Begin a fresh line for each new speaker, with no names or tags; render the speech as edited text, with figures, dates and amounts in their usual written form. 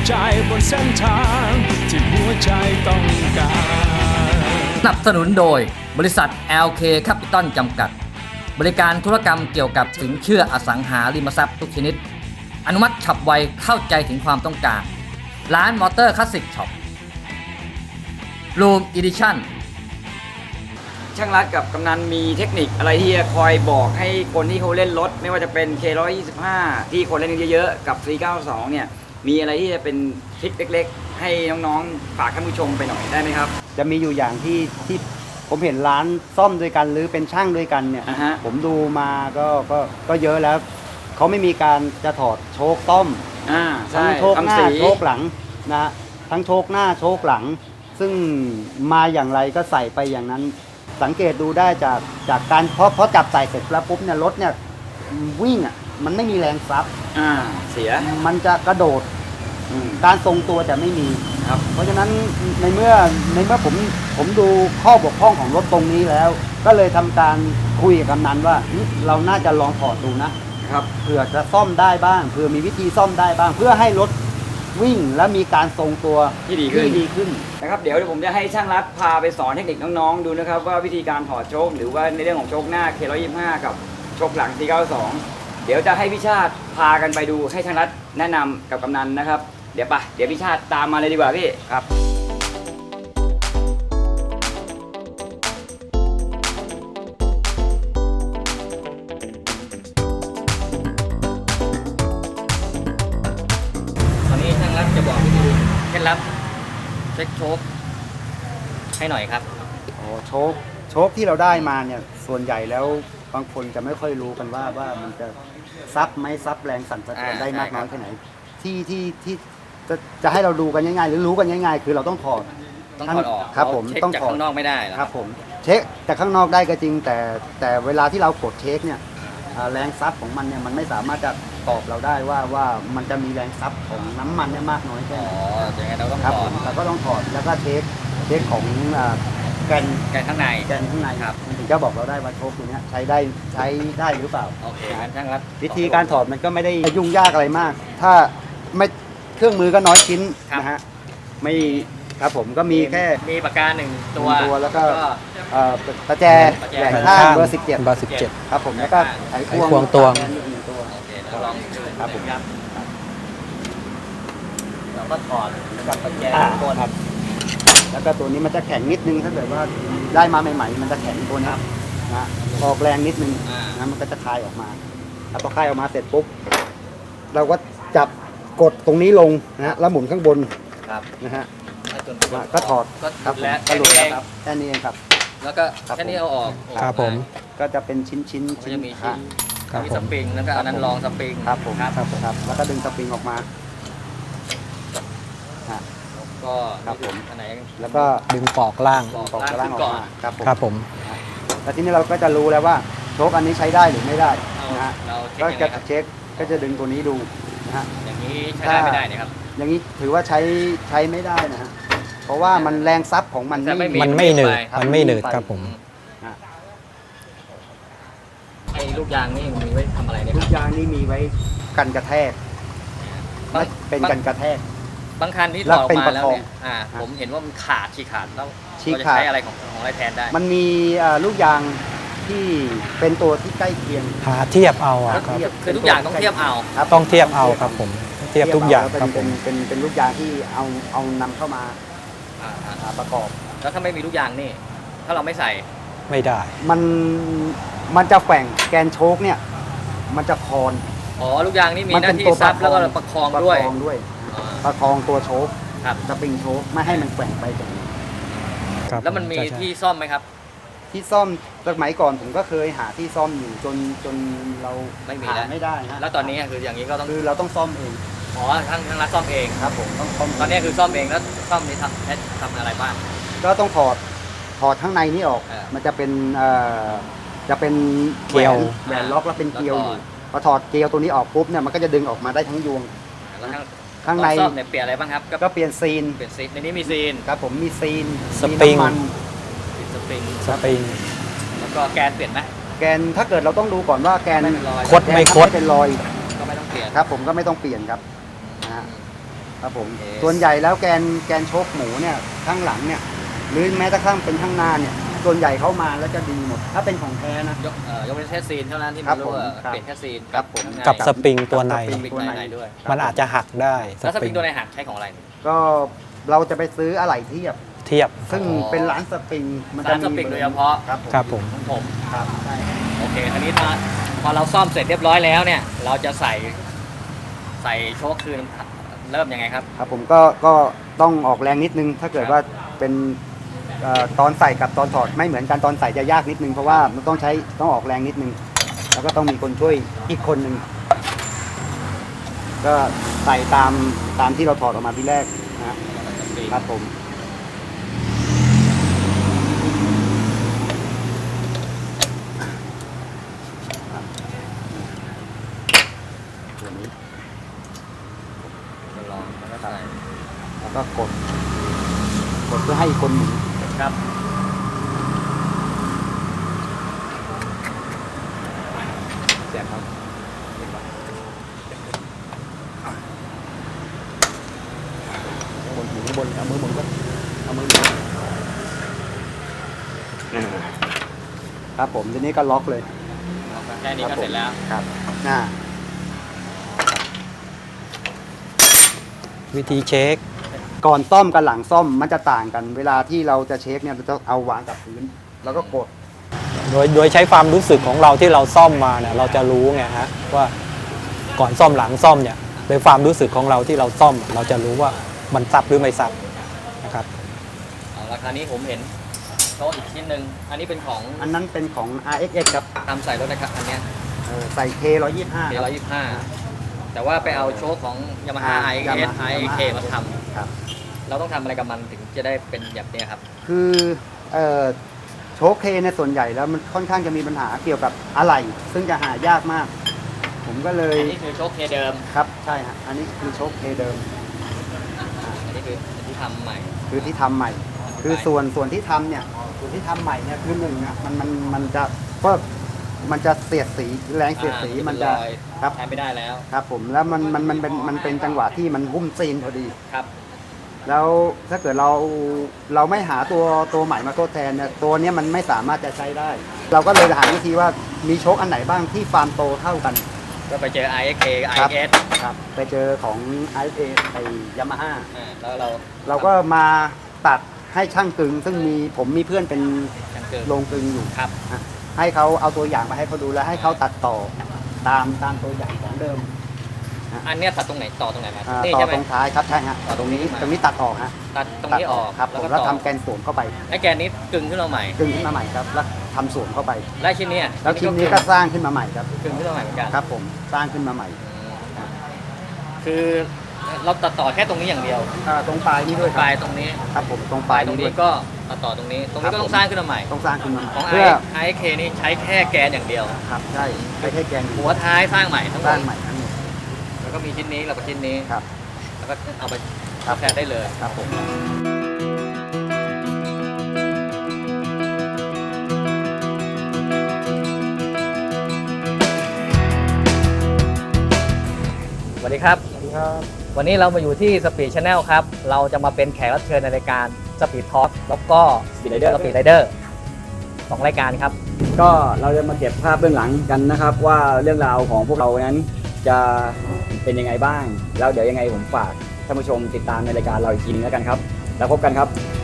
ใจบนเส้นทางที่หัวใจต้องการ
สนับสนุนโดยบริษัท LK Capital จำกัดบริการธุรกรรมเกี่ยวกับสินเชื่ออสังหาริมทรัพย์ทุกชนิดอนุมัติฉับไวเข้าใจถึงความต้องการร้านมอเตอร์คลาสสิกช็อปรูมอีดิชั่นช่างรัฐกับกำนันมีเทคนิคอะไรที่จะคอยบอกให้คนที่เขาเล่นรถไม่ว่าจะเป็น K125 ที่คนเล่นเยอะๆกับ 492 เนี่ยมีอะไรที่จะเป็นทริคเล็กๆให้น้องๆฝากท่านผู้ชมไปหน่อยได้ไหมครับ
จะมีอยู่อย่างที่ผมเห็นร้านซ่อมด้วยกันหรือเป็นช่างด้วยกันเนี่ยผมดูมาก็เยอะแล้วเขาไม่มีการจะถอดโชคต้อมทั้งโชคหน้าโชคหลังนะทั้งโชคหน้าโชคหลังซึ่งมาอย่างไรก็ใส่ไปอย่างนั้นสังเกตดูได้จากการเพราะจับใส่เสร็จแล้วปุ๊บเนี่ยรถเนี่ยวิ่งอ่ะมันไม่มีแรงซับ
เสีย
มันจะกระโดดการทรงตัวจะไม่มี
ครับ
เพราะฉะนั้นในเมื่อผมดูข้อบกพร่องของรถตรงนี้แล้วก็เลยทำการคุยกับกำนันว่าเราน่าจะลองถอดดูนะครับเผื่อจะซ่อมได้บ้างเผื่อมีวิธีซ่อมได้บ้างเพื่อให้รถวิ่งและมีการทรงตัว
ที่ดีขึ้นนะครับเดี๋ยวผมจะให้ช่างรัฐพาไปสอนเทคนิคน้องๆดูนะครับว่าวิธีการถอดโชคหรือว่าในเรื่องของโชคหน้า K125 กับโชคหลัง 492 เดี๋ยวจะให้พี่ชาติพากันไปดูให้ช่างรัฐแนะนำกับกำนันนะครับเดี๋ยวพี่ชาติตามมาเลยดีกว่าพี่
ครับ
ตอนนี้ช่างรัฐจะบอกวิธีเคล็ดลับเช็คโชคให้หน่อยครับ
โชคที่เราได้มาเนี่ยส่วนใหญ่แล้วบางคนจะไม่ค่อยรู้กันว่ามันจะซับไหมซับแรงสั่นสะเทือนได้มากน้อยแค่ไหนที่จะให้เราดูกันง่ายๆหรือรู้กันง่ายๆคือเราต้องถอด
ออก
ครับผม
ต้องจากข้างนอกไม่ได้
ครับผมเช็คจากข้างนอกได้ก็จริงแต่เวลาที่เรากดเช็คเนี่ยแรงซับของมันเนี่ยมันไม่สามารถจะตอบเราได้ว่ามันจะมีแรงซับของน้ำมันเนี่ยมากน้อยแค่ไหน
ยังไงเราต้อง
ถอดเราก็ต้องถอดแล้วก็เช็คของแกน
ข้างใน
ครับมันถึงจะบอกเราได้ว่าโชคตัวนี้ใช้ได้หรือเปล่า
โอเคงั้นช่างรัฐ
วิธีการถอดมันก็ไม่ได้ยุ่งยากอะไรมากถ้าไม่เครื่องมือก็น้อยชิ้นนะฮะไม่ครับผมก็มีแค่
มีปากกาหนึ่งตัว
แล้วก็ประแจแหวนข้างเบอร์ 17ครับผมแล้วก็ไขควง
ตัว
ลองครับผม
เราก็ถอดกับประแจตัวครับ
แล้วก็ตัวนี้มันจะแข็งนิดนึงถ้าเกิดว่าได้มาใหม่ๆมันจะแข็งตัวนี้นะออกแรงนิดนึงนะมันก็จะคลายออกมาพอคลายออกมาเสร็จปุ๊บเราก็จับกดตรงนี้ลงนะแล้วหมุนข้างบนนะฮะก็ถอด
ครับ
แล้ว
แค่นี้เอง
แค่นี้เองครับ
แล้วก็แค่นี้เอาออก
ครับผม
ก็จะเป็นชิ้น
จะมีชิ้นมีสปริงแล้วก็อันนั้นรองสปริง
ครับผมครับแล้วก็ดึงสปริงออกมา
ก็
ครับผม
อันไหน
แล้วก็
ดึงปอกล่าง
ออกมา
ครับผม
แล้วทีนี้เราก็จะรู้แล้วว่าโชคอันนี้ใช้ได้หรือไม่ได้นะฮะก็จะเช็คก็จะดึงตัวนี้ดูนะฮะ
อย่างนี้ใช้ได้ไม่ได้นะครับ
อย่างนี้ถือว่าใช้ไม่ได้นะฮะเพราะว่ามันแรงซับของมัน
ไม่หนืดครับผม
ไอ้ลูกยางนี่มีไว้ทำอะไรเนี่ย
ลูกยางนี่มีไว้กันกระแทกเป็นกันกระแทก
บางคันที่ถอดออกมาแล้วเนี่ยผมเห็นว่ามันฉีกขาดแล้วเราจะใช้อะไรของอะไรแทนได้
มันมีลูกยางที่เป็นตัวที่ใกล้เคียง
หาเทียบเอาครับ
คือทุกอย่างต้องเทียบเอา
ต้องเทียบเอาครับผมเทียบทุกอย่างครับผม
เป็นลูกยางที่เอานำเข้ามาประกอบ
แล้วถ้าไม่มีลูกยางนี่ถ้าเราไม่ใส่
ไม่ได้
มันจะแกว่งแกนโชคเนี่ยมันจะคอน
ลูกยางนี่มีหน้าที่ซับแล้วก็ประคองด้วย
ประคองตัวโชคสปริงโชคไม่ให้มันแกว่งไปอย่างนี้
แล้วมันมีที่ซ่อมไหมครับ
ที่ซ่อมสมัยก่อนผมก็เคยหาที่ซ่อมอยู่จนเราไม่ได้ฮะ
แล้วตอนนี้คืออย่างนี้ก็ต้อง
คือเราต้องซ่อมเอง
ทางร้านซ่อมเอง
ครับผมต้องซ่อม
ตอนนี้คือซ่อมเองแล้วซ่อมนี้ทำอะไรบ้าง
ก็ต้องถอดข้างในนี้ออกมันจะเป็น
เกลียว
แหวนล็อกแล้วเป็นเกลียวอยู่พอถอดเกลียวตัวนี้ออกปุ๊บเนี่ยมันก็จะดึงออกมาได้ทั้งยวงข้างใน
เปลี่ยนอะไรบ้างครับ
ก็เปลี่ยนซีน
ในนี้มีซีน
ครับผมมีซีน
สปริง
แล้วก็แกนเปลี่ยนไหม
แกนถ้าเกิดเราต้องดูก่อนว่าแกน
คดไม่คด
เป็นรอย
ก็ไม่ต้องเปลี่ยน
ครับผมก็ไม่ต้องเปลี่ยนครับนะฮะครับผม
โอเค
ส่วนใหญ่แล้วแกนโชคหมูเนี่ยข้างหลังเนี่ยหรือแม้แต่ข้างเป็นข้างหน้าเนี่ยส่วนใหญ่เข้ามาแล้วจะดีหมด ถ้าเป็นของแท้นะ
ยกเป็นแค่ซีนเท่านั้นที่
ครั
ไม่
บ
รู้ว่า
ผมครับ
เปลี่ยนแค่ซีน
ครับผม
กับสปริงตัวใน
สปริงในด้วย
มันอาจจะหักได้
แล้วสปริงตัวในหักใช้ของอะไร
ก็เราจะไปซื้ออะไหล่เทียบ
เทียบ
ซึ่ง
อ๋อ
เป็นร้านสปริงมันจะ
ร้านสปริงโดยเฉพาะ
ครับ
ครับผม
ของผม
ครับใช่
โอเคทีนี้พอเราซ่อมเสร็จเรียบร้อยแล้วเนี่ย เราจะใส่โชคคืนเริ่มยังไงครับ
ครับผมก็ต้องออกแรงนิดนึง ถ้าเกิดว่าเป็นตอนใส่กับตอนถอดไม่เหมือนกันตอนใส่จะยากนิดนึงเพราะว่ามันต้องออกแรงนิดนึง แล้วก็ต้องมีคนช่วยอีกคนหนึ่งก็ใส่ตามที่เราถอดออกมาที่แรกนะครับผมตัวนี้
ลองแล้วก็ใส่
แล้วก็กดเพื่อให้อีกคนหมุน
ครับ
เสียบครับบนอยู่ข้างบนเอามือบนก็เอามือบนครับผมทีนี้ก็ล็อกเลย
แค่นี้ก็เสร็จแล้ว
ครับ
วิธีเช็ค
ก่อนซ่อมกับหลังซ่อมมันจะต่างกัน เวลาที่เราจะเช็คเนี่ยเราจะเอาวางกับพื้นแล้วก็กด
โดยใช้ความรู้สึกของเราที่เราซ่อมมาเนี่ยเราจะรู้ไงฮะว่าก่อนซ่อมหลังซ่อมเนี่ยโดยความรู้สึกของเราที่เราซ่อม เราจะรู้ว่ามันซับหรือไม่ซับนะครับ
เอาราคานี้ผมเห็นโชคอีกชิ้นหนึ่งอันนี้เป็นของ
อันนั้นเป็นของ RXX ครับ
ทำใส่รถนะครับอันเนี้ย
ใส่ K 125
125แต่ว่าไปเอาโชคของ Yamaha IK มาท
ครับ
ำเราต้องทำอะไรกับมันถึงจะได้เป็นแบบเนี้ยครับ
คือโชคเคในยส่วนใหญ่แล้วมันค่อนข้างจะมีปัญหาเกี่ยวกับอะไหล่ซึ่งจะหายากมาก ผมก็เลย
อันนี้คือโชคเคเดิม
ครับใช่ฮะอันนี้คือโชคเคเดิม
อันนี้คือที่ทำใหม่
คือที่ทำใหม่ คือส่วนที่ทำเนี่ยส่วนที่ทำใหม่เนี่ยคือหนึ่งอ่ะมันจะก็มันจะเสียดสีแรงเสียดสีมันจะ
รอย
ครับ
ใช้ไม่ได้แล้ว
ครับผมแล้วมันเป็นจังหวะที่มันหุ้มซีนพอดี
ครับ
แล้วถ้าเกิดเราไม่หาตัวใหม่มาทดแทนเนี่ยตัวเนี้ยมันไม่สามารถจะใช้ได้ เราก็เลยหาวิธีว่ามีโชคอันไหนบ้างที่ฟาร์มโตเท่ากัน
ก็ไปเจอ IK
ครับ
IS
ครับไปเจอของ IFA ไอ้ยามาฮ่า
แล้วเรา
เราก็มาตัดให้ช่างกึง ซึ่งผมมีเพื่อนเป็น
กันเกิด
โรงกึงอยู่
ครับ
ให้เขาเอาตัวอย่างมาให้เขาดูแล้วให้เขาตัดต่อตามตัวอย่างของเดิม
อันเนี้ยตัดตรงไหนต่อตรงไหนมา นี่
ต่อ
ใช่ไหม
ตรงท้ายครับใช่ฮะ
ต่อตรงนี้มา
ตรงนี้ตัดออกฮะ
ตัดตรงนี้ออก
ครับ
แล้ว
ผม
ก็
แล้ว
ต่อ
ทำแกนสวมเข้าไป
ไอ้แกนนี้กึ่งขึ้นมาใหม่
กึงขึ้นมาใหม่ครับแล้วทำสวมเข้าไป
และชิ้นเนี้ย
แล้วชิ้นนี้ก็สร้างขึ้นมาใหม่ครับ
กึ่งขึ้นมาใหม่เหมือนกัน
ครับผมสร้างขึ้นมาใหม่
คือเราตัดต่อแค่ตรงนี้อย่างเดียว
ตรงปลายนี้ด้วยค
ป
รับ
ลายตรงนี้
ครับผมตรงป
ป
ลา
ลาย ยตรง
นี้ด้
นี้
วย
ก็ตัดต่อตรงนี้ ตรงนี้ก็ต้องสร้างขึ้นมาใหม่
ต้องสร้างขึ้นมาใหม่
ของ
เพื่อ
IK นี่ใช้แค่แกนอย่างเดียว
ครับใช่ไม่ใช่แกน
หัวท้ายสร้างใหม่ทั้งหม
สร้า
ด
งใหม่ทั้งหมด
แล้วก็มีชิ้นนี้แล้วก็ชิ้นนี้
ครับ
แล้วก็เอาไป
ครับ
แทนได้เลย
ครับผม
สวัสดีครับ
สวัสดีครับ
วันนี้เรามาอยู่ที่ Speed Channel ครับ เราจะมาเป็นแขกรับเชิญในรายการ Speed Talk แล้วก็ Speed Rider สองรายการครับ
ก็เราจะมาเก็บภาพเบื้องหลังกันนะครับ ว่าเรื่องราวของพวกเรานั้นจะเป็นยังไงบ้าง แล้วเดี๋ยวยังไงผมฝากท่านผู้ชมติดตามในรายการเราอีกทีนึงแล้วกันครับ แล้วพบกันครับ